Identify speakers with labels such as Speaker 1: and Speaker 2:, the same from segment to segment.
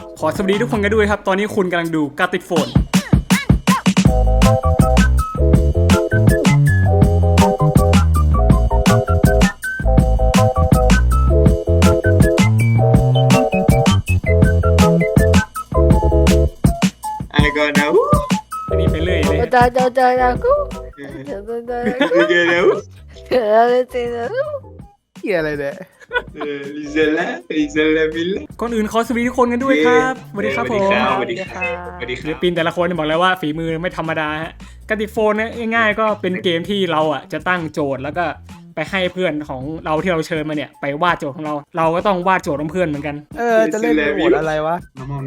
Speaker 1: ขอสวัสดีทุกคนกันด้วยครับตอนนี้คุณกำลังดูกาติดโฟน
Speaker 2: ไอ้ก่อนนะ
Speaker 1: อันนี้ไปเรื่อยเลย
Speaker 3: Dah aku. Dah.
Speaker 2: เดี๋ยว
Speaker 4: เหี้ยอะไรเนี่ย
Speaker 2: ลิเซล่าบิลล่า
Speaker 1: ก่อนอื่นขอสวัสดีทุกคนกันด้วยครับสวัสดีครับผม
Speaker 2: สวัสดีครับสวัสดีค
Speaker 1: ศิล
Speaker 2: รับ
Speaker 1: ปินแต่ละคนบอกแล้วว่าฝีมือไม่ธรรมดาฮะกาติดโฟนเนี่ยง่ายๆก็เป็นเกมที่เราอ่ะจะตั้งโจทย์แล้วก็ไปให้เพื่อนของเราที่เราเชิญมาเนี่ยไปวาดโจทย์ของเราเราก็ต้องวาดโจทย์ของเพื่อนเหมือนกัน
Speaker 4: จะเล่นโหมดอะไรวะ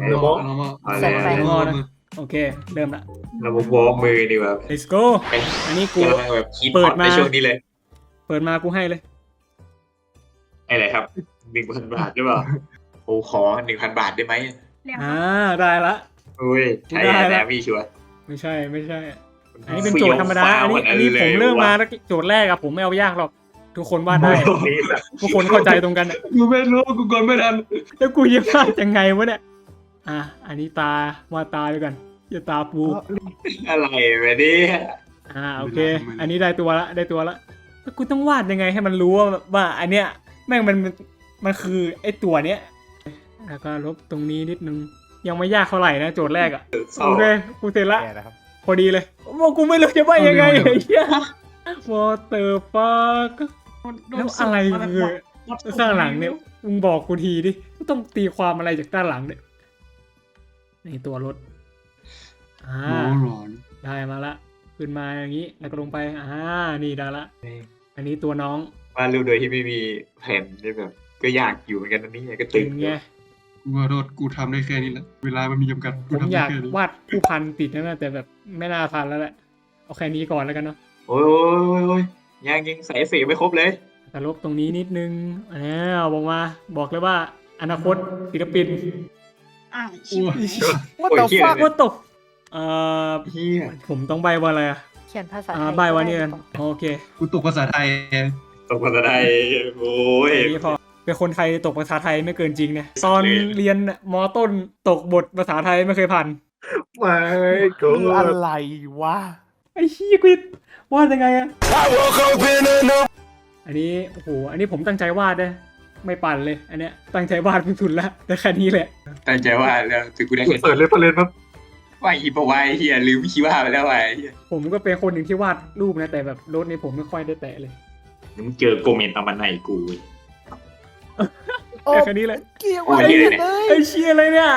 Speaker 1: โอเคเริ่มละ
Speaker 2: เราวอร์มมือดีกว่า
Speaker 1: let's go อันนี้กู
Speaker 2: กำลังแบบคิดฮอตในช่วงนี้เลย
Speaker 1: เปิดมากูให้เลย
Speaker 2: อะไรครับ 1,000 บาทหรือเปล่าโอ้ขอ 1,000 บาทได้ไหม
Speaker 1: ได้ละ
Speaker 2: อุ้ยใช่แล้วพี่ชัวร์
Speaker 1: ไม่ใช่อันนี้เป็นโจทย์ธรรมดาอันนี้ผมเริ่มมาแล้วโจทย์แรกอะผมไม่เอายากหรอกทุกคนวาดได้ทุกคนเข้าใจตรงกัน
Speaker 2: กูไม่รู้กูกดไม่ทัน
Speaker 1: แล้วกูจะวาดยังไงวะเนี่ยอันนี้ตาวาดตาด้วยกันอย่าตาปู
Speaker 2: อะไรแบบนี้
Speaker 1: โอเค อันนี้ได้ตัวละแล้วกูต้องวาดยังไงให้มันรู้ว่าอันเนี้ยแม่งมันคือไอ้ตัวเนี้ยแล้วก็ลบตรงนี้นิดนึงยังไม่ยากเท่าไหร่นะโจทย์แรกอะโอเคกูเสร็จละ
Speaker 4: แกนะครับ
Speaker 1: พอดีเลยว่ากูไม่รู้จะว่ายังไงไอ้เหี้ย What the fuck แล้วอะไรคือข้างหลังเนี่ยมึงบอกกูทีดิต้องตีความอะไรจากด้านหลังเนี่ยนี่ตัวรถได้มาละขึ้นมาอย่างนี้แล้วก็ลงไปนี่ได้ละอันนี้ตัวน้อง
Speaker 2: วาดรูปโดยที่ไม่มีแผ่นนี่แบบก็ยากอยู่เหมือนกันนะนี่ก็ตึ
Speaker 1: ตึ
Speaker 2: ง
Speaker 1: งไง
Speaker 5: กูขอโทษกูทำได้แค่นี้แหละเวลามันมีจำกัด
Speaker 1: ผมอยากวาดผู้พันติดนะแต่แบบไม่น่าทันแล้วแหละเอาแค่นี้ก่อนแล้วกันเนาะ
Speaker 2: โอ้ยยังใส่เอฟเฟกต์ไม่ครบเลย
Speaker 1: แต่ลบตรงนี้นิดนึงบอกเลยว่าอนาคตศิลปิน
Speaker 4: ว่าต่อฟัก
Speaker 1: ว่าตก
Speaker 2: เฮีย
Speaker 1: ผมต้องใบว่าอะไร
Speaker 3: เขียนภาษาไทย
Speaker 1: ใบว่านี่กันโอเค
Speaker 5: กูตกภาษาไทย
Speaker 2: ตกภาษาไทยโอ้ย
Speaker 1: อันนี้พอเป็นคนไทยตกภาษาไทยไม่เกินจริงเนี่ยตอนเรียนมอต้นตกบทภาษาไทยไม่เคยผ่าน
Speaker 2: ไม่กู
Speaker 4: คืออะไรวะ
Speaker 1: ไอ้ชี้กวิดวาดยังไงอะอันนี้โอ้โหอันนี้ผมตั้งใจวาดนะไม่ปั่นเลยอันเนี้ยตั้งใจวาดสุดแล้วแต่แค่นี้แหละ
Speaker 2: ตั้งใจว่าแล้วถึงกูได้
Speaker 6: เปิดเลยครับ
Speaker 2: ว่าอีปะวายเฮียลืมคิดว่าไปแล้วไอ้เฮีย
Speaker 1: ผมก็เป็นคนหนึ่งที่วาดรูปนะแต่แบบรถนี้ผมไม่ค่อยได้แตะเลย
Speaker 2: มึงเจอโกเมนต์ตามมันในกู
Speaker 1: แต่แค่นี้เลย
Speaker 4: เกี่ยวอะไรกันเลย
Speaker 1: ไอ้เชี่ยอะไรเนี่ย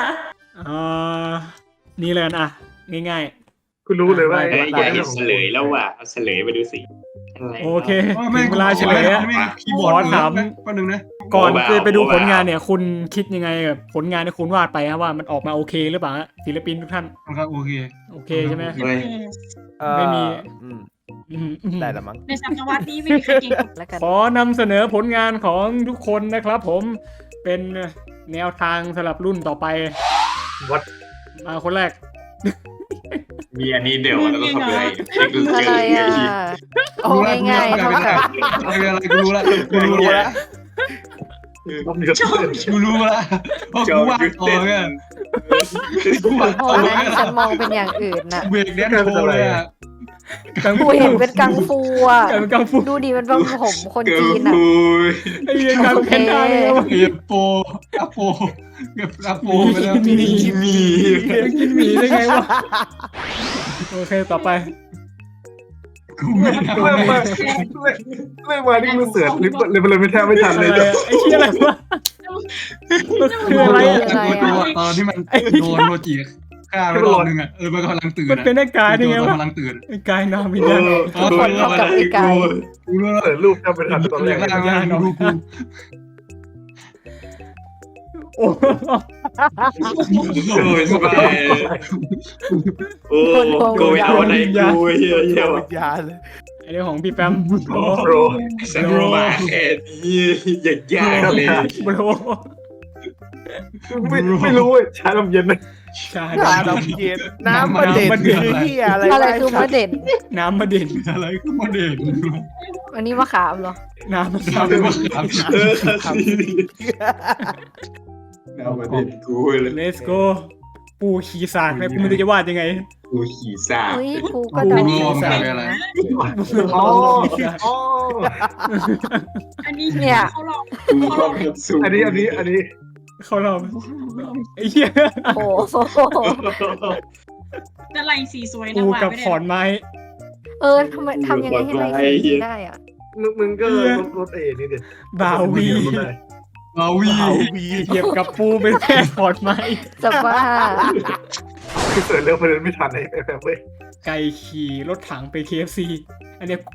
Speaker 1: นี่เลยอ่ะง่าย
Speaker 6: คุณรู้เลยว่า
Speaker 2: เฮ้ยอย่าเห็นเฉลยแล้วว่ะเอาเฉลยไปดูสิอะไร
Speaker 1: ๆโอเค
Speaker 5: ไม่
Speaker 1: ถึงเวลาเฉลยอะ
Speaker 5: คีย์บอร์ด
Speaker 1: ขอถาม
Speaker 5: แป๊บนึงนะ
Speaker 1: ก่อนจะไปดูผลงานเนี่ยคุณคิดยังไงกับผลงานที่คุณวาดไปฮะว่ามันออกมาโอเคหรือเปล่าฮะศิลปินทุกท่าน
Speaker 5: ครับโอเค
Speaker 1: โอเคใช่ไหม
Speaker 2: เฮ้ย
Speaker 1: ไม่มี
Speaker 4: ได้ละมั้ง
Speaker 7: ในสัปดาห์นี้ไม่มีใครเก่ง
Speaker 3: แล้วกัน
Speaker 1: ขอนำเสนอผลงานของทุกคนนะครับผมเป็นแนวทางสำหรับรุ่นต่อไป
Speaker 6: วัด
Speaker 1: มาคนแรก
Speaker 2: มีอันนี้เดี๋ยวแล้วก็ทำเลยเช็คดูเจ
Speaker 3: อะไร โอ้ง่ายๆเท่ากับ
Speaker 5: อะไรกูรู้ละกูรู้ละ
Speaker 6: ต้องมีกระตุ้น
Speaker 5: กูรู้ละเพราะกูวาดต่อไงกูวาด
Speaker 3: โอ้
Speaker 5: ต่อ
Speaker 3: นะฉันมองเป็นอย่างอื่นน่ะ
Speaker 5: เบรกแดนโชว์เลยอ่ะ
Speaker 3: กูเห็นเป็นกังฟูอ่ะ
Speaker 1: กลายเป็นกังฟู
Speaker 3: ดูดิมันเป็นผมคนจีนอ่ะ
Speaker 1: ไอ้เรื่องการเป็นได้เลยวะ
Speaker 5: เก็บโปอะโปเก็บอะโปไปแล้ว
Speaker 1: กินหมีได้ไงวะโอเคต่อไป
Speaker 5: กูไม่ทำ
Speaker 6: เรื่องมาเรื่องมาที่กูเสือกเลยมันเลยไม่แทบไม่ทัน
Speaker 1: อะ
Speaker 6: เลย
Speaker 1: ไรอะไอ้เชี่ยอะไรวะมันคืออะไรอะ
Speaker 5: ตอนที่มันโดนโรจิฆ่าไปรอบนึงอ่ะมันกำลังตื่น
Speaker 1: มันเป็นไอ้กายได้ไงวะ
Speaker 5: กำลังตื่น
Speaker 1: ไอ้กายนามินา
Speaker 3: คนเท่ากับไอ้ไก่
Speaker 5: กูรู้แล้ว
Speaker 6: เปิดรูปแทบไม่ทันตอนแรก
Speaker 5: ดูกู
Speaker 1: โอ้
Speaker 2: โอ้ยสบายโอ้โกยเอาไหนกูเฮีย
Speaker 4: เกี่ยว
Speaker 2: ว่ะ
Speaker 4: วิญญาณเลย
Speaker 1: ไอ้เรื่องของพี่แปมโอ้
Speaker 6: โปร
Speaker 2: สันมาแค่นี้ยากเลย
Speaker 1: โบร
Speaker 6: ไม่รู้เว้ยชาลมเย็นเลย
Speaker 1: ชา
Speaker 4: น้ำเย็นน้ำประเด็นคือเหี้ยอะไร
Speaker 3: อะไรคือมะเด่น
Speaker 1: น้ำมาเด่น
Speaker 5: อะไรก็มาเด็ก
Speaker 3: อันนี้มะขามเหรอ
Speaker 1: น้ำมา
Speaker 5: ทำเป็นว่า
Speaker 2: เออน้ำประเด็นกูเลย
Speaker 1: let's go ปูขี่สากแล้วกูไม่รู้จะวาดยังไง
Speaker 2: กูขี่ซา
Speaker 3: เฮ้ยกูก็
Speaker 5: กู
Speaker 3: เดา
Speaker 5: งง
Speaker 3: ใส่
Speaker 5: เลยอะไร
Speaker 3: นะ
Speaker 6: อ๋ออ๋อ
Speaker 7: อันนี้
Speaker 3: เนี่ย
Speaker 7: เขาลอง
Speaker 2: กูก็เพิ่มสูง
Speaker 6: อันนี้
Speaker 1: เขาเราไอ้เหี้ย
Speaker 3: โอ้โห
Speaker 7: อะไรสีสวยนะ
Speaker 1: ปู
Speaker 7: ว่า
Speaker 1: กับ
Speaker 7: ไม่
Speaker 1: ข
Speaker 7: ได้
Speaker 1: อนไม้
Speaker 3: ทำไมทำยังไงให้ไม่ขีดได้อ่ะ
Speaker 6: มึงก็รถนี่เด็ด
Speaker 1: บาวี
Speaker 5: เอาวี
Speaker 1: เหยียบกับปูเป็นแค่ขอนไม้
Speaker 3: จะบ้า
Speaker 6: คือเสิร์ชเรื่องประเด็นไม่ทันไอ้แบบเว้ย
Speaker 1: ไก่ขี่รถถังไป KFC อันเนี้ย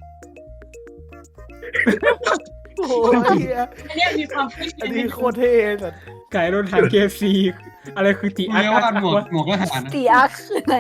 Speaker 4: โอ้ยเหี้ย
Speaker 7: อันเนี้ยมีความคิด
Speaker 4: อันนี้โคตรเท่สัส
Speaker 1: ไก่รถถัง KFC อะไรคือติ
Speaker 5: กู
Speaker 1: อัก
Speaker 5: เรียก
Speaker 1: อั
Speaker 5: ว่าก หมวก
Speaker 1: วะ
Speaker 5: หมวกทหารนะ
Speaker 3: ตีอาร์คืออะไร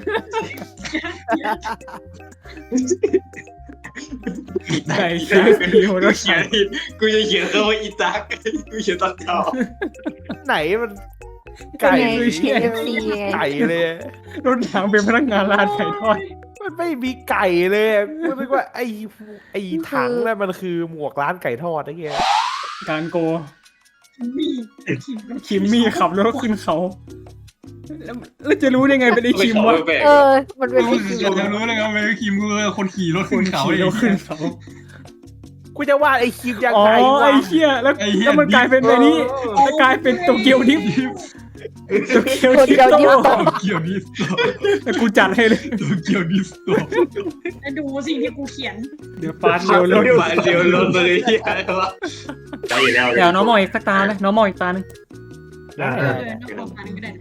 Speaker 1: ไก่ KFC หัวรถ
Speaker 2: เขีย
Speaker 1: ถั
Speaker 2: น
Speaker 1: ง
Speaker 2: กูจะเขียนคำว่าอีตักกูเขียนตัดเท้า
Speaker 4: ไหนมัน
Speaker 3: ไก่
Speaker 4: ไก่
Speaker 3: KFC ไง
Speaker 4: ไก่เลย
Speaker 1: รถถังเป็นพนักงานร้านไก่ทอด
Speaker 4: มันไม่มีไก่เลยกูนึกว่าไอ้ถังนั่นมันคือหมวกร้านไก่ทอดไอ้เงี้ย
Speaker 1: การโก
Speaker 7: มี
Speaker 1: คิมมี่ขับรถขึ้นเขาแล้วจะรู้ได้ไงเป็นไอ้คิมวะ
Speaker 3: เออ มันเป็น
Speaker 5: กู
Speaker 3: ไอ้คิม
Speaker 5: จะรู้เลยครับเป็นคิมกูเลยคนขี่รถ
Speaker 1: ค
Speaker 5: ขึ้
Speaker 1: น
Speaker 5: นเขา
Speaker 1: ขี่
Speaker 5: เล
Speaker 1: ร
Speaker 5: ย
Speaker 1: ถขึ้นเขา
Speaker 4: กูจะวาดไอ้คิมยัง
Speaker 1: อ๋อ
Speaker 4: ไงวะ
Speaker 1: ไอ้เหี้ยแล้ว
Speaker 5: ไอ้เหี้ย
Speaker 1: แล้วมันกลายเป็นในนี้แล้วกลายเป็นโตเกียวดิฟโตเกียว
Speaker 3: คน
Speaker 1: ดิฟ
Speaker 3: เดียว
Speaker 1: โต
Speaker 3: เดียว
Speaker 5: โตเกียวดิสโต
Speaker 1: แต่กูจัดให้เลย
Speaker 5: โตเกียวดิสโต
Speaker 7: แล้วดูสิ่งที่กูเขียน
Speaker 1: เดี๋ยวฟาดเร็วรถ
Speaker 2: มาเร็วรถเลยที่อะไรวะใจแล้ว
Speaker 1: เดี๋ยวน้องมองอีกสักตาเลยน้องมองอีกตาหนึง
Speaker 7: เออน้องบอกมาก็ได้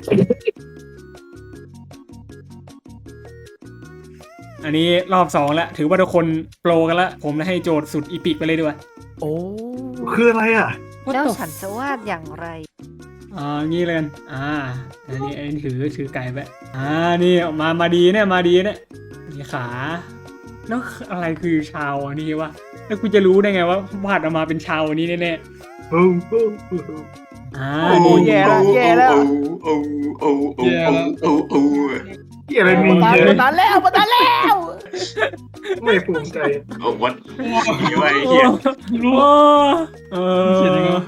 Speaker 1: อันนี้รอบ2แล้วถือว่าทุกคนโปรกันแล้วผมให้โจทย์สุดอีพิกไปเลยดีกว่า
Speaker 4: โอ้
Speaker 6: คืออะไรอ่ะ
Speaker 3: แล้วฉันจะวาดอย่างไร
Speaker 1: งี้เลยกันอันนี้ถือไก่ไปนี่ออกมาดีเนี่ยมาดีเนี่ยนี่ขาแล้วอะไรคือชาวอันนี้วะแล้วกูจะรู้ได้ไงว่าวาดออกมาเป็นชาวอันนี้แน่ๆ
Speaker 6: โอ้โห
Speaker 1: นี่
Speaker 4: แย่แล้วแย่แล้ว
Speaker 2: โอ้โอ้โอ้โอ้โอ้
Speaker 6: ที่อะไรมี
Speaker 4: มา
Speaker 6: เยอะ
Speaker 4: ตาแล้วมาตาแล้ว
Speaker 6: ไม่ภูมิใจ
Speaker 2: โอ้วัดมีไว้
Speaker 1: โอ้
Speaker 2: เหี้ย
Speaker 5: เขียนยังไงวะ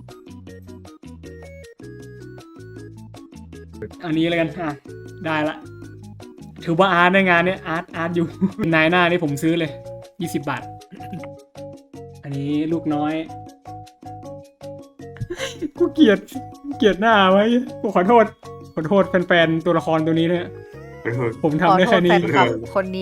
Speaker 1: อันนี้เลยกันได้ละถือว่าอาร์ตในงานเนี้ยอาร์ตอยู่ นายหน้านี่ผมซื้อเลย20 บาท อันนี้ลูกน้อย กูเกลียดหน้าไว้กูขอโทษแฟนๆตัวละครตัวนี้เนี่ยผม
Speaker 3: ขอ
Speaker 1: ทำได้
Speaker 3: โท
Speaker 1: แค่
Speaker 3: ษแฟ
Speaker 1: นี้
Speaker 3: นคลับคนนี้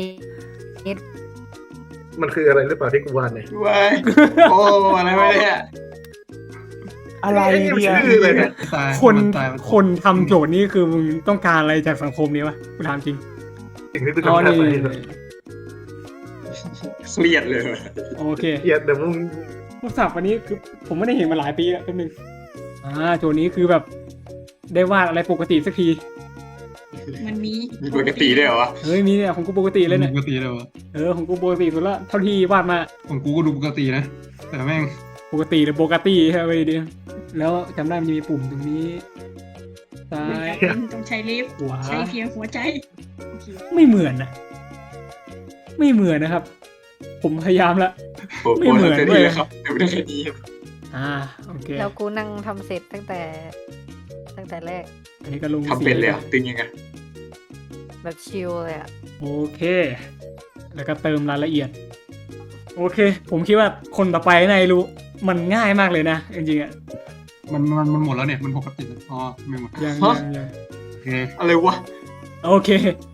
Speaker 6: มันคืออะไรหรือเปล่าที่กูวาดเนี่ย
Speaker 2: ไว้โอ้อะไรวะเนี่ย
Speaker 4: อะไรเนี่ย
Speaker 6: ชื่อเลยเนี่ย
Speaker 5: ตาย
Speaker 1: คน
Speaker 5: ตาย
Speaker 1: คนทำโจทย์นี้คือมึงต้องการอะไรจากสังคมนี้วะกูถามจริง
Speaker 6: สิ่งที่กู
Speaker 1: อ๋อ
Speaker 6: ทำได้
Speaker 1: นี่
Speaker 6: ไป
Speaker 2: เครียดเลย
Speaker 1: โอเค
Speaker 6: เกียดแต่มึง
Speaker 1: พวกศัพท์วันนี้คือผมไม่ได้เห็นมาหลายปีแล้วแป๊บนึงโจทย์นี้คือแบบได้วาดอะไรปกติสักที
Speaker 7: มันมี
Speaker 2: มีปกติด้วยเหรอวะ
Speaker 1: เฮ้ยมีเนี่ยของกูปกติเลยเนี่ย
Speaker 5: ปกติเลยวะ
Speaker 1: ของกูปกติสุดละเท่าที่วาดมา
Speaker 5: ของกูก็ดูปกตินะ แต่แม่ง
Speaker 1: ปกติหรือปกติใช่ไหมดีแล้วจำได้มันจะมีปุ่มตรงนี้ซ้า
Speaker 7: เหมือน
Speaker 1: ย
Speaker 7: กันต้องใช้ลิฟต์
Speaker 1: ขวา
Speaker 7: ใช้เพียงหัวใจโอเค
Speaker 1: ไม่เหมือนนะไม่เหมือนนะครับ ผมพยายามละ
Speaker 2: ไม่เหมือนเลยครับไม่ได้แค่นี้
Speaker 1: โอเค
Speaker 3: แล้วกูนั่งทำเสร็จตั้งแต่แรก
Speaker 1: อันนี้ก็ลง
Speaker 2: ทำเป็นเลยอ่ะตึงยังไง
Speaker 3: แบบชิลเลยอ่ะ
Speaker 1: โอเค แล้วก็เติมรายละเอียด โอเค ผมคิดว่าคนต่อไปนายรู้มันง่ายมากเลยนะจริงๆอ่ะ
Speaker 5: มันหมดแล้วเนี่ยมันปกติแล้วอ๋อไม่หมด
Speaker 1: ยัง
Speaker 5: โอเค
Speaker 2: อะไรวะ
Speaker 1: โอเค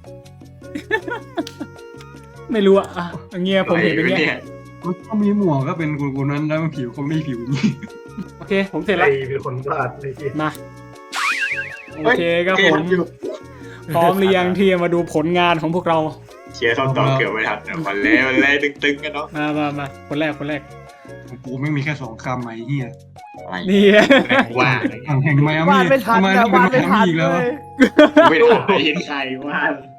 Speaker 1: ไม่รู้อ่ะอย่างเงี้ยผมเห็นเป็นเงี้ย
Speaker 5: มันก็มีหมวกก็เป็นกูนั้นแล้วมันผิวคงไม่ผิวนี่
Speaker 1: โอเค ผมเสร็จ
Speaker 6: ใคร
Speaker 1: แล้ว
Speaker 6: เป็นคนวาดไอ้ที่
Speaker 1: มาโอเคครับผมพร้อมหรือยังที่จะมาดูผลงานของพวกเรา
Speaker 2: เชียร์คำตอบเกือบไม่ทันวันแล้วตึงๆกันเนาะ
Speaker 1: มาคนแรก
Speaker 5: ของกูไม่มีแค่2 คำไอ้เหี้ย
Speaker 1: นี่
Speaker 2: ว่า
Speaker 5: แห่งไมอาว
Speaker 4: า
Speaker 5: มี่
Speaker 4: ดไม่ทัน
Speaker 5: ทำไม
Speaker 4: นะ
Speaker 5: ต้องเป็น
Speaker 4: วาด
Speaker 5: ไม
Speaker 4: ไม่
Speaker 5: อา
Speaker 4: ทัน
Speaker 5: มี่อีกแล้ววะ
Speaker 4: เลย
Speaker 2: ไม่ถ่ายเห็นใครว่า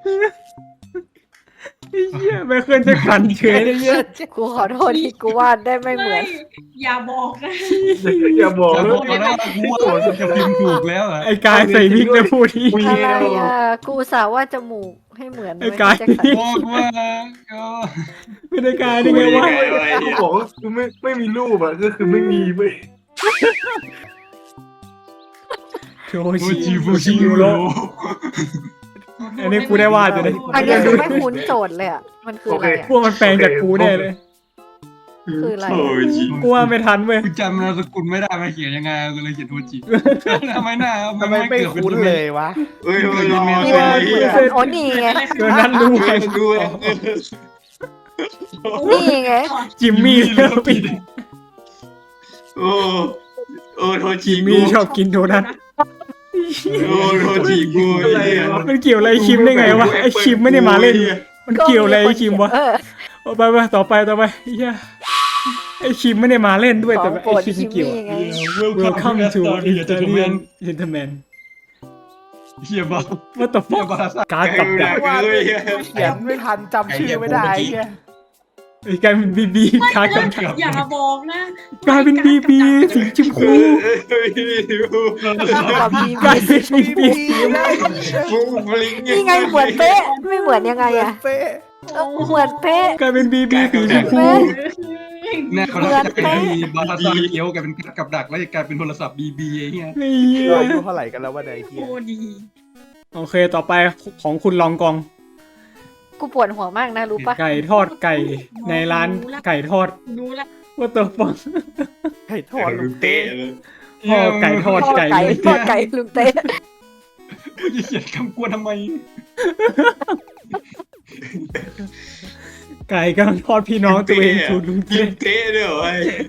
Speaker 1: เหี้ยไม่เคยจะขันเฉยเลยเยอะ
Speaker 3: กูขอโทษที่กูวาดได้ไม่เหมือน
Speaker 7: อย่าบอกนะ
Speaker 6: อย่าบอก
Speaker 5: แต่
Speaker 6: นะ
Speaker 5: บอกแล้วว่ากูว่าจะพิมพ์ถูกแล้วอ่ะ
Speaker 1: ไอ้กายใส่วิกแล้วพูดที่
Speaker 3: อะไรอ่ะ กูอุตสาห์วาดจมูกให้เหมือน
Speaker 1: ไอ้กาย
Speaker 3: แจ็คสัน
Speaker 5: บอกว่าก็
Speaker 1: ไม่ได้กายได้ไงวะ
Speaker 6: กูบอกว่ากูไม่มีรูปอ่ะก็คือไม่มีเว้ย
Speaker 1: โช
Speaker 5: โท
Speaker 1: ชิ
Speaker 5: จิฟู
Speaker 1: ชิ
Speaker 5: ชิ
Speaker 1: โร
Speaker 5: โร่
Speaker 1: อันนี้กูได้วาดอยู่เลย
Speaker 3: อันนี้คือไม่คุ้นโจทย์เลยอ่ะมันคืออะไร
Speaker 1: พวกมันแปลงจากกูแน่เลย
Speaker 3: คืออะไร
Speaker 2: โอ้ยจิ
Speaker 1: กูว่าไม่ทันเว้ย
Speaker 5: กูจำนามสกุลไม่ได้มาเขียนยังไงกูเลยเขียนโทจิทำไมหน้า
Speaker 4: ทำไมไม่คุ้นเลยวะ
Speaker 2: เฮ้ยเฮ้ย
Speaker 3: นี่
Speaker 2: เฮ้
Speaker 3: มัน
Speaker 2: ย
Speaker 3: เหมือนโอ้นี่ไง
Speaker 1: เกินนั้นรู้ไง
Speaker 2: ดูเลย
Speaker 3: นี่ไง
Speaker 1: จิมมี่เลิฟปิด
Speaker 2: โอ้โอ้โทจิ
Speaker 1: จิมมี่ชอบกินโดนัท
Speaker 2: โอ้โทจิกูอะไรอ่ะ
Speaker 1: มันเกี่ยวอะไรคิมได้ไงวะไอคิมไม่ได้มาเล่น มันเกี่ยวอะไรไอคิมวะ ไปต่อไปเฮียไอคิมไม่ได้มาเล่นด้วย
Speaker 3: ขอ
Speaker 1: แต่
Speaker 3: ง
Speaker 1: ไอ
Speaker 3: โปรด
Speaker 1: คิม
Speaker 3: คิม
Speaker 1: เกี่ยว
Speaker 3: มี่ไง
Speaker 1: Welcome to Italian Gentleman
Speaker 5: เฮียบ้า
Speaker 1: What the
Speaker 5: เฮีย
Speaker 1: fuck
Speaker 5: บ้าสัตว์
Speaker 1: การกับดัก
Speaker 2: ว่าเลย
Speaker 4: เขียนไม่ทันจำชื่อไม่ได้ไง
Speaker 1: ไอ้กลายเป็นบีการกับดัก
Speaker 7: อย่าบอกนะ
Speaker 1: กลายเป็นบีสีชมพู
Speaker 3: กับบี
Speaker 1: กลายเป็นบี
Speaker 2: ฟูบลิง
Speaker 3: นี่ไงเหมือนเป๊ะไม่เหมือนยังไงอะ
Speaker 4: เป๊ะ
Speaker 3: เหมือนเป๊ะ
Speaker 1: กลายเป็นบีสีชมพู
Speaker 5: แน่เขาจะกลายเป็นบาซาเกียวกลายเป็นกับดักแล้วจะกลายเป็นโทรศัพท์บีบีไอ้เหี้ย
Speaker 1: ไอ้เหี้ย
Speaker 4: อายุเท่าไหร่กันแล้ววะเนี่ยไอ้เฮีย
Speaker 7: โอ้ดี
Speaker 1: โอเคต่อไปของคุณลองกอง
Speaker 3: กูปวดหัวมากนะรู้ปะ
Speaker 1: ไก่ทอดไก่ในร้านไก่ทอด
Speaker 7: รู้ละ
Speaker 1: What the fuck
Speaker 4: ไก่ทอดลูก
Speaker 2: เตะ
Speaker 4: เต้
Speaker 1: พ่อไก่ทอดไก่
Speaker 3: ทอดไก่ลุงเต้
Speaker 5: กูจะเขียนคำกวนทำไม
Speaker 1: ไก่กำลังทอดพี่น้องตัวเองถูกลุง
Speaker 2: กิ
Speaker 1: เต้
Speaker 2: นเตะด้วยไอ้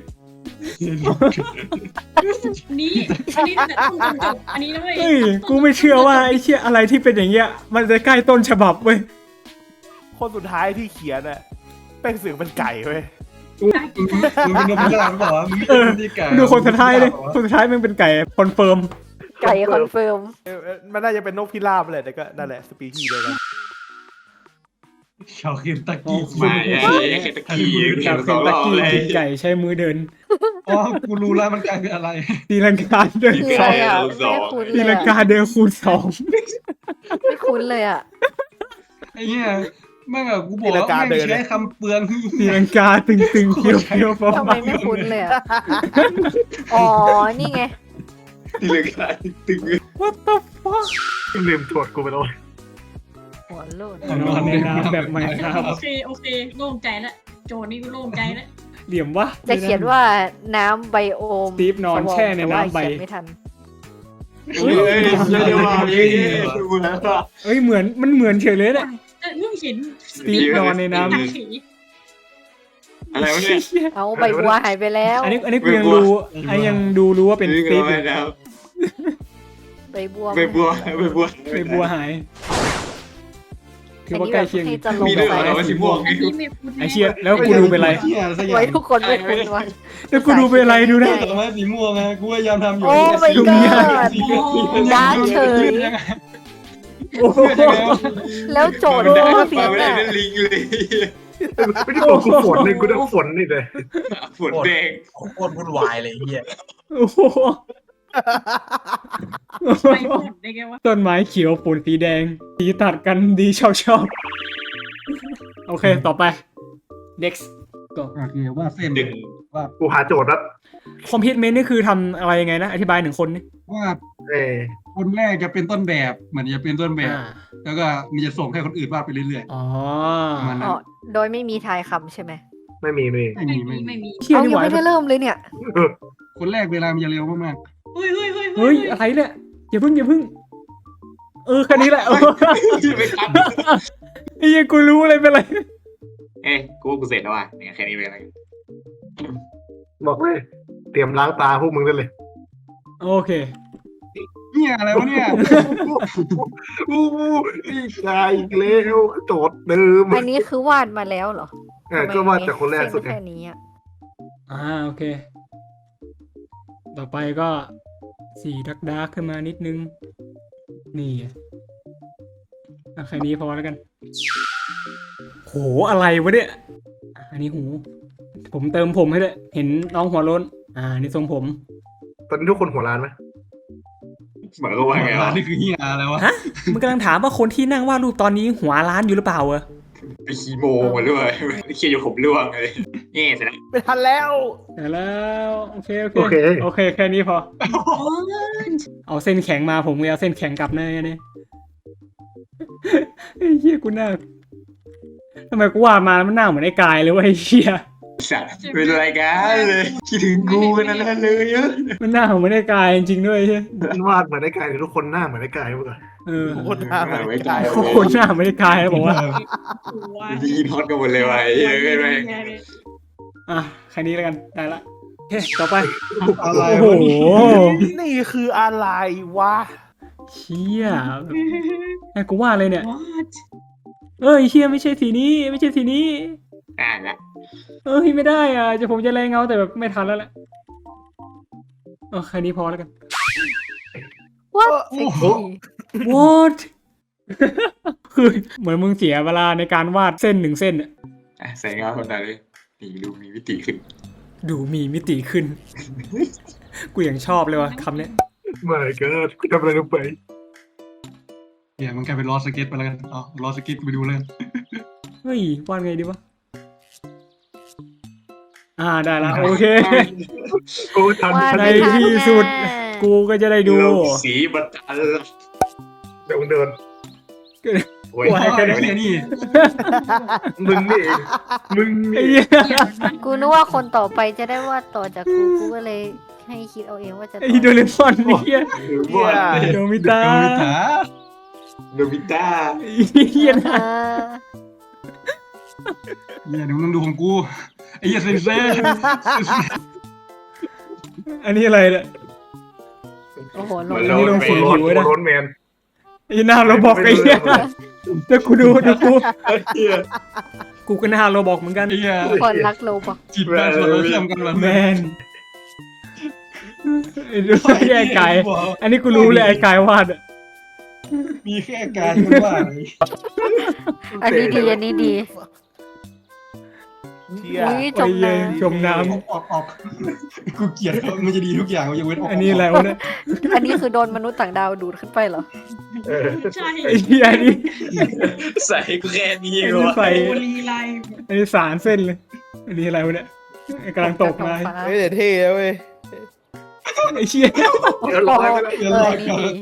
Speaker 7: นี่อันนี้แต่ต้องจบอันนี้นะเว้ย
Speaker 1: เฮ้ยกูไม่เชื่อว่าไอ้เชี่ยอะไรที่เป็นอย่างเงี้ยมันจะใกล้ต้นฉบับเว้ย
Speaker 4: คนสุดท้ายที่เขียนอะแป้งเสือกเป็นไก่เว้ย
Speaker 5: มึงเป็นนกพิราบหรือเปล่าวะมึง
Speaker 1: เออ
Speaker 5: เป็นที่ไก่
Speaker 1: ดูคนสุดท้ายเลยคนสุดท้ายมันเป็นไก่คอนเฟิร์ม
Speaker 3: ไก่คอนเฟิร์ม
Speaker 4: มันน่าจะเป็นนกพิราบเลยแต่ก็นั่นแหละสปีชีส์เดียวกัน
Speaker 5: ชาวเคนตักกี้
Speaker 2: มาไอ้เคนตะกี้
Speaker 1: จากเคนตักกี้กินไก่ใช้มือเดิน
Speaker 5: อ๋อกูรู้แล้วมันกลายเป็นอะไร
Speaker 1: ตีลังกาเดิน
Speaker 3: คืออะไรอะไม่คุ้น
Speaker 1: ตี
Speaker 3: เลย
Speaker 1: ลังกา
Speaker 3: อะ
Speaker 1: เดินคูณ2
Speaker 3: ไม่คุ้นเลยอะ
Speaker 5: ไอ้เหี้ยแม่งอะกูบอกว่าแม่งใช้คำเปลือง
Speaker 1: ตีลังกาตึงเคี้ยวฟ้า
Speaker 3: ทำไมไม่คุ้นเลยอะอ๋อนี่ไง
Speaker 2: ที่เลยกายตึง
Speaker 1: What the fuck
Speaker 6: ลืมโทษกูไปแล้ว
Speaker 3: หัวโลด
Speaker 1: นอนในน้ำแบบใหม่ครับ
Speaker 7: โอเคโล่งใจละโจนี่กูโล่งใจละ
Speaker 1: เหลี่ยมวะ
Speaker 3: จะเขียนว่าน้ำไบโอม
Speaker 1: สตีฟนอนแช่ในน้ำใบ
Speaker 3: แต่ว่าเขียนไม่ทัน
Speaker 2: เฮ้ยเดี๋ยวมาเฮ้ยดูแล้ว
Speaker 1: เอ้ยเหมือนมันเหมือนเฉยเลยเนี่ย
Speaker 7: มึงเห็น
Speaker 1: สตีฟนอนในน้ำ
Speaker 2: อะไรวะเนี่ย
Speaker 3: เอาใบบัวหายไปแล้ว
Speaker 1: อันนี้กูยังรู้อันนี้ยังรู้ว่าเป็นสตีฟอยู่
Speaker 2: แล้ว
Speaker 3: ใบบัว
Speaker 2: ใบบัว
Speaker 1: ไปบัวหายถือว่าใกล้เคียง
Speaker 3: ให้จะลง
Speaker 2: มีด้วย
Speaker 3: ไป
Speaker 2: เหรอว่าสีม่วง
Speaker 7: อันนี้ไม่คุ้น
Speaker 1: ไอเชี่ยแล้วกูดูเป็นไร
Speaker 5: เหี้ยสักอย่า
Speaker 3: ไว้
Speaker 5: ง
Speaker 3: ทุกคนไม่คุ้นวะ
Speaker 1: แล้วกูดูเป็นไรดูนะ
Speaker 5: แต่ว่าสีม่วงไงกูพยายามทำอยู่
Speaker 3: โอ้ my
Speaker 1: ดูยาก
Speaker 3: god ดาร์กเฉย
Speaker 5: ยังไง
Speaker 1: โอ้โห
Speaker 3: แล้วโจทย์
Speaker 2: ได้
Speaker 3: ก็
Speaker 2: มา
Speaker 3: ผิด
Speaker 2: ไม่ได้
Speaker 3: อ่ะ
Speaker 2: เป็นลิงเลย
Speaker 6: ไม่ได้บอกกูฝนเลยกูได้ฝนนี่เลย
Speaker 2: ฝนแดง
Speaker 8: โคตรวุ่นวายเลยไอ้เฮีย
Speaker 1: โอ้โห
Speaker 7: ไปหมดได้ไงวะ
Speaker 1: ต้นไม้เขียวฝนสีแดง สีตัดกันดีชอบโอเคต่อไป next
Speaker 5: โอเคว่าเส้น
Speaker 2: ดึง
Speaker 5: ว่า
Speaker 6: กูหาโจทย์แล้ว
Speaker 1: คอมพิวเมนต์นี่คือทำอะไรยังไงนะ อธิบายหนึ่งคนนี่
Speaker 5: ว่า
Speaker 6: เออ
Speaker 5: คนแรกจะเป็นต้นแบบเหมือนจะเป็นต้นแบบ
Speaker 1: อ่า
Speaker 5: แล้วก็มันจะส่งให้คนอื่นวาดไปเรื่อย
Speaker 1: อ๋อ
Speaker 5: ประมาณนั้
Speaker 3: อ๋
Speaker 5: น
Speaker 3: อโดยไม่มีทายคำใช่ไหม
Speaker 6: ไม่มีไม่มี
Speaker 5: ไม่มีไม่มี
Speaker 1: เชี่ย
Speaker 3: เอา
Speaker 1: นี่
Speaker 3: ยั
Speaker 1: ห
Speaker 3: ง
Speaker 1: วาย
Speaker 3: ไม่ได้เริ่มเลยเนี่ย
Speaker 5: คนแรกเวลามันจะเร็วมาก
Speaker 7: เฮ้ย
Speaker 1: เฮ้ยอะไรเนี่ยอย่าเพิ่งแค่นี้แหละ
Speaker 2: ไม่ทัน
Speaker 1: ไอ้ยังกูรู้อะไรเป็นไร
Speaker 2: เอ้กูเสร็จแล้วอ่ะเนี่ยแค่นี้เป็นอะไร
Speaker 6: บอกเลยเตรียมล้างตาพวกมึงได้เลย
Speaker 1: โอเค
Speaker 5: ๆเนี่ยอะไรวะเนี่ย
Speaker 6: อู้อีกใจอีกแล้วโจทย์เดิม
Speaker 3: อันนี้คือวาดมาแล้วเหรอ
Speaker 6: ก็ว่าจากคนแรกสุด
Speaker 3: เส้น
Speaker 6: ไง
Speaker 3: แค่นี้อ่ะ
Speaker 1: โอเค ต่อไปก็สีดาร์กขึ้นมานิดนึง นี่แค่นี้พอแล้วกัน โหอะไรวะเนี่ย อันนี้หู ผมเติมผมให้ด้วยเห็นน้องหัวโล้น นี่ทรงผม
Speaker 6: ตอนนี้ทุกคนหัวร้านไหม
Speaker 2: หมายก็ว่าไงวะ
Speaker 5: นี่คือเฮียอะไรวะ
Speaker 1: ฮะ มึงกำลังถามว่าคนที่นั่งวาดรูปตอนนี้หัวล้านอยู่หรือเปล่าเหรอ
Speaker 2: ไปคีโมมาด้วยเคียอยู่ผมร่วงเลยแง่เสร็จแล้ว
Speaker 4: ไม่ทันแล้ว
Speaker 1: ได้แล้วโอเค
Speaker 6: โอเค
Speaker 1: โอเคแค่นี้พอ เอาเส้นแข็งมาผมเลยเอาเส้นแข็งกลับเลยเนี่ยไอ้เหี้ยกูหน้าทำไมกูว่ามามันหน้าเหมือนไอ้กายเลยวะไอ้เหี้ย
Speaker 2: สัตว์เป็นไรกันเลยคิดถึงกูกันนั่นแหละเลยเยอะ
Speaker 1: มันหน้าเหมือนไอ้กายจริงๆด้วยไอ้เหี้ย
Speaker 6: มันวาดเหมือนไอ้กายทุกคนหน้าเหมือนไอ้กายเมื่อก่อน
Speaker 1: เออ
Speaker 4: โคตรน่าเหมือนไอ้กาย
Speaker 1: โคตรหน้าเหมือนไอ้กายแล้วบอกว่า
Speaker 2: ดีนฮอตกันหมดเลยว่ะเยอะเลย
Speaker 1: อ่ะแค่นี้แล้วกันได้ละโอเคต่อไป
Speaker 5: อะไร
Speaker 1: โอ้โห
Speaker 5: วะนี่
Speaker 4: นี่คืออะไรวะ
Speaker 1: เชี่ยไอ้กูว่าเลยเนี่ย เอ้ยเชี่ยไม่ใช่สีนี้ไม่ใช่สีนี้
Speaker 2: ละ
Speaker 1: เอ้ยไม่ได้อ่ะจะผมจะแรงเงาแต่แบบไม่ทันแล้วแหละแค่นี้พอแล้วกัน
Speaker 3: ว่าเซ็กซี่
Speaker 1: what คือเหมือนมึงเสียเวลาในการวาดเส้นหนึ่งเส้นอะ
Speaker 2: ใส่เงาคนไหนเลยนี่ดูมีมิติขึ้น
Speaker 1: ดูมีมิติขึ้น กูยังชอบเลยว่ะคำเนี้ย
Speaker 6: ไม่ก็กูทำอะไรลงไป
Speaker 5: เดี๋ยวมันกลายเป็นล้อสเก็ตไปแล้วกันอ๋อล้อสเก็ตไปดูเลย
Speaker 1: เฮ้ยวาดไงดีวะได้ละโอเค
Speaker 6: โอ้ทัน
Speaker 3: ว่า
Speaker 1: ใน
Speaker 3: ไม่ทัน
Speaker 1: ที่สุด
Speaker 3: แน่
Speaker 1: กูก็จะได้ดู
Speaker 2: สีบัตร
Speaker 6: เดี๋ยวมึงเดินโอ้ย
Speaker 1: ว่า
Speaker 5: ไอ้เหี้ยนี่
Speaker 6: มึงนี่เองมึง
Speaker 1: ไอ้
Speaker 6: นี่
Speaker 1: เหี้ย
Speaker 3: กูนึกว่าคนต่อไปจะได้วาดต่อจากกู กูก็เลยให้คิดเอาเองว่าจะ
Speaker 1: ไอ้โดเรมอนไอ้เหี้ย
Speaker 2: ว่า
Speaker 1: โดมิตา
Speaker 2: โนบิตะ
Speaker 1: ไอ้เหี้ยนะ
Speaker 5: เหี้ยเดี๋ยวมึงต้องดูของกูไอ้เหี้ยเซนเซ่
Speaker 1: อันนี้อะไรเนี่ย
Speaker 3: โอ้โหลง
Speaker 1: อันนี้ลงสี
Speaker 6: โร
Speaker 1: ผิวไว้นะ
Speaker 6: นแมน
Speaker 1: ไอ้หน้าเราบอกไอ้เหี้ยแต่กูดูกู
Speaker 2: เฮีย
Speaker 1: กูก็หน้าเราบอกเหมือนกัน
Speaker 5: ไอ้เหี้ย
Speaker 3: คนรักโลบอก
Speaker 5: จิตแม่งส่วนเราเชื่อมกันแบบ
Speaker 1: แมนไอ้ดูไอ้ไก่อันนี้กูรู้เลยไอ้ไก่วาดอะ
Speaker 5: มีแค่การคนว่า
Speaker 3: อันนี้ดีอันนี้ดี
Speaker 4: เชี่ย
Speaker 3: อุ้ยจ
Speaker 1: โอ้
Speaker 3: ม
Speaker 1: ยเย้
Speaker 3: น้
Speaker 1: จมน้
Speaker 5: ออกกูเกลียดมันจะดีทุกอย่างมันจะเว้นออก
Speaker 1: ำอันนี้อะไรวะเนี่ย
Speaker 3: ำอันนี้คือโดนมนุษย์ต่างดาวดูดขึ้นไปเหรอ
Speaker 7: ใช่
Speaker 1: ไอ้เหี้ยอันนี้
Speaker 2: ใส่กูแค่นี้
Speaker 1: อัน
Speaker 2: ก็
Speaker 1: นี้
Speaker 2: ว่า
Speaker 1: ใส่
Speaker 7: โอลีไล
Speaker 1: อันนี้สารเส้นเลย อันนี้อะไรวะเนี่ยไอ้กำลังตกมา
Speaker 4: เฮ้ยแต่เท่นะเว้ย
Speaker 1: ไอ้เชี่ย
Speaker 6: เดี๋ยวร้อยไปแล้ว
Speaker 3: อันนี้ดี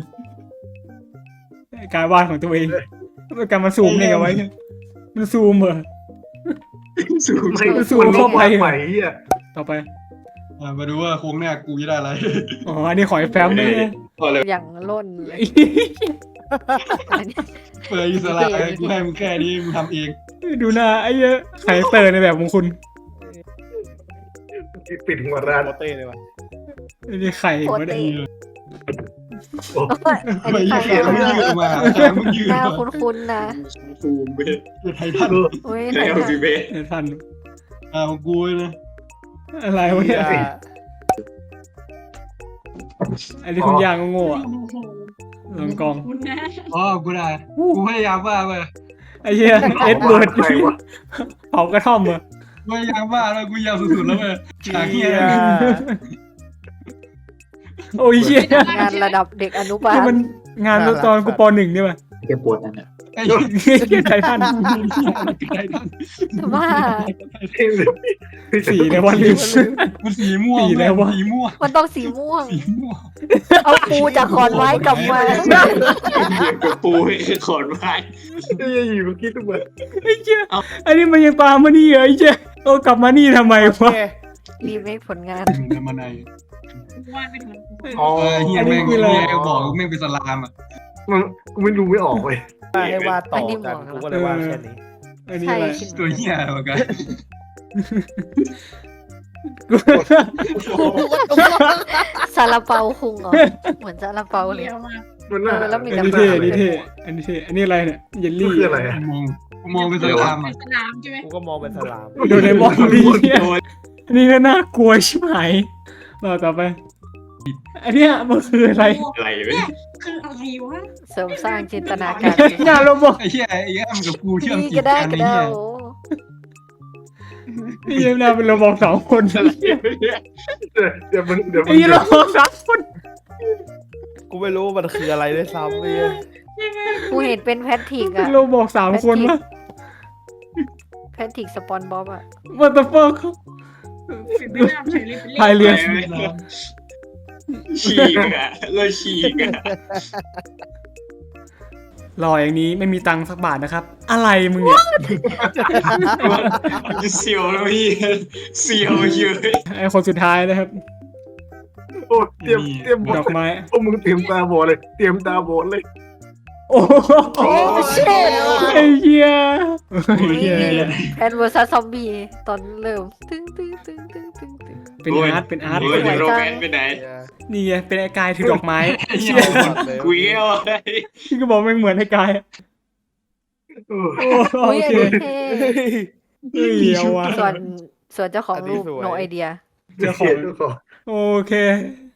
Speaker 1: การวาดของตัวเองการมาซูมเนี่ยเอาไว้เนี่ยมันซูมเหรอ
Speaker 2: สูง
Speaker 6: ไม่
Speaker 1: สู้เข้าไป
Speaker 6: ใหม่เฮีย
Speaker 1: ต่อไป
Speaker 5: มาดูว่าโค้งหน้ากูจะได้อะไร
Speaker 1: อ๋อ อันนี้ขอยแฟ้มเลยเนี่ย
Speaker 2: พอเลย
Speaker 3: อย่างล่นเลยอันนี้
Speaker 5: เปิดอิสระกูให้มึงแค่นี้มึงทำเอง
Speaker 1: ดูหน้าไอ้เหี้ยไคเตอร์ในแบบของคุณ
Speaker 6: ปิดหัวร้าน
Speaker 4: โคตรเต้เลยว่ะ
Speaker 1: อันนี้ไข่
Speaker 3: โคต
Speaker 1: มาร ได้
Speaker 3: เตะ
Speaker 6: โอ้
Speaker 3: อัน
Speaker 5: ไม่
Speaker 3: นี้
Speaker 5: ยื
Speaker 3: ใคร
Speaker 5: ดมึงยืดมามึงยืด
Speaker 3: หน้า
Speaker 5: มา
Speaker 3: คุ้นๆนะ
Speaker 2: ซูมไป
Speaker 5: ไททัน
Speaker 3: อุ้ย
Speaker 2: ใช้เอาซีเบส
Speaker 1: เดี๋ยวทัน
Speaker 5: ของกูนะ
Speaker 1: อะไรวะเนี่ย
Speaker 4: เชี่ย
Speaker 1: อันนี้คุณยางโง่ๆอะ
Speaker 7: โอ้โห
Speaker 1: ลองกอง
Speaker 7: คุณนะ
Speaker 5: อ๋อกูได้กูพยายามว่าเว้ย
Speaker 1: ไอ้เหี้ยเอ็ดเบิร์ด
Speaker 6: ใครวะ
Speaker 1: เผากระท่อมเหรอ
Speaker 5: พยายามว่าแล้วกูยาวสุดๆแล้วเว้ยฉากเฮีย
Speaker 1: โอ้ยเหี้ย
Speaker 3: งานระดับเด็กอนุบา
Speaker 1: นี่
Speaker 3: ล
Speaker 1: มันงานตอนกูปหนึ่งนี่ป่ะ
Speaker 2: แกปวดนั่นแหละ
Speaker 5: ไอ้
Speaker 1: เหี้ยไททัน
Speaker 5: ไททัน
Speaker 3: ว่า
Speaker 1: สีในวันลืม
Speaker 5: มันสีม่วง
Speaker 1: สีแล้ววะ
Speaker 5: สีม่วง
Speaker 3: มันต้องสีม่วง
Speaker 5: สีม่วง
Speaker 3: เอาปูจากขอนไม้กลับมา
Speaker 2: กับปูให้ขอนไม้
Speaker 6: เฮ้ยอยู่เมื่อกี้ทุกวัน
Speaker 1: ไอ้เหี้ยอันนี้มันยังตามมานี่เหรอไอ้เหี้ยกลับมานี่ทำไมวะ
Speaker 3: รีเมคผลงาน
Speaker 5: มึงจะมาใน
Speaker 7: วาดเป็นเหมือนกู
Speaker 6: อ๋อ
Speaker 5: เฮียแม่งเฮียบอกแม่งเป็นสลามอ่ะ
Speaker 6: มันกูไม่รู้ไม่ออกเว้ย
Speaker 4: ให้วาดต่อกันกูก็เลยวาดแค่นี้
Speaker 1: อันนี้
Speaker 3: ใช่
Speaker 1: อะไร
Speaker 3: ขึ้น
Speaker 5: ตัวเฮียเหมือนกัน
Speaker 3: ซาลาเปาคุงเหรอ เหมือนซาลาเปาเลย
Speaker 7: เลี้ยวมาก
Speaker 6: มันน่า
Speaker 3: แล้วมี
Speaker 1: อันนี้เท่อันนี้เท่อันนี้เท่อันนี้อะไรเนี่ยเยล
Speaker 6: มัน
Speaker 1: ลี่
Speaker 6: คืออะไรอ่ะ
Speaker 5: มองเป็นสลาม
Speaker 7: เป็
Speaker 5: อ่ะ
Speaker 7: นสนามใช่ไหม
Speaker 4: กูก็มองเป็นสลาม
Speaker 1: โดเรมอนนี่เนี่ยอันนี้ก็น่ากลัวชิบหายต่อไป อันเนี้ยมันคืออะไร
Speaker 2: อะไรเว้ย
Speaker 7: เนี่ยคืออะไรวะ
Speaker 3: เสริมสร้างจินตนาการ
Speaker 1: งานเราบอก
Speaker 5: ไอ้เฮียไอ้เฮียมันกับกูเชื่อม
Speaker 3: นี่
Speaker 5: จิ
Speaker 3: ก็
Speaker 5: ต
Speaker 3: ได้
Speaker 5: กัน
Speaker 3: ก็
Speaker 5: ไอ้
Speaker 3: ได้
Speaker 5: เฮีย
Speaker 3: โอ้
Speaker 1: นี่ยังน่าเป็นเราบอกสองคน
Speaker 6: เดี๋ยวมันเดี๋ยวมั
Speaker 1: ไอ้เราบอกสามคน
Speaker 4: กูไม่รู้มันคืออะไรด้วยซ้ำเลย
Speaker 3: กูเห็นเป็นแพทริกอะ
Speaker 1: เราบอกสามคนวะ
Speaker 3: Patrick SpongeBob อะ
Speaker 1: what the fuck
Speaker 7: เป็นไปได้เฉยเลยเป็นเลข
Speaker 1: พายเรือ
Speaker 2: ฉีกอ่ะเลยฉีกอ่ะ
Speaker 1: รออย่างนี้ไม่มีตังค์สักบาทนะครับ อะไรมึงเนี่ย
Speaker 2: จะเสียวแล้วพี่เสียวเยอะ
Speaker 1: ไอคนสุดท้ายนะครับ
Speaker 6: โอ้เตรียมบ
Speaker 1: ด
Speaker 6: อ
Speaker 1: อกไม้
Speaker 6: โอ้มึงเตรียมตาบอดเลยเตรียมตาบอดเลย
Speaker 1: โอ้โห
Speaker 3: โอ้เชิด
Speaker 1: ไอ้เหี้ยไอ้เหี้ย
Speaker 3: แพนเวอร์ซัสซอมบี้ตอนเริ่มตึ้งตึ้งตึ้งตึ้งตึ้งตึ้ง
Speaker 1: เป็นอาร์ตเป็นอาร์ต
Speaker 2: โอ้ยโรแมนต์ไปไหน
Speaker 1: นี่ไงเป็นไอ้กายถือดอกไม้
Speaker 2: เชี่ยกูเอี้ยวอะไร
Speaker 1: ที่ก็บอกไม่งเหมือนไอ้กาย
Speaker 6: โอ้
Speaker 1: โอ้โอ
Speaker 3: อุ้ย
Speaker 1: เค
Speaker 3: อันนี้เท่
Speaker 1: เฮ้ยเอาว่ะ
Speaker 3: ส่วนเจ้าของรูป no idea
Speaker 1: เจ้าของ
Speaker 6: เจ้าของ
Speaker 1: โอเค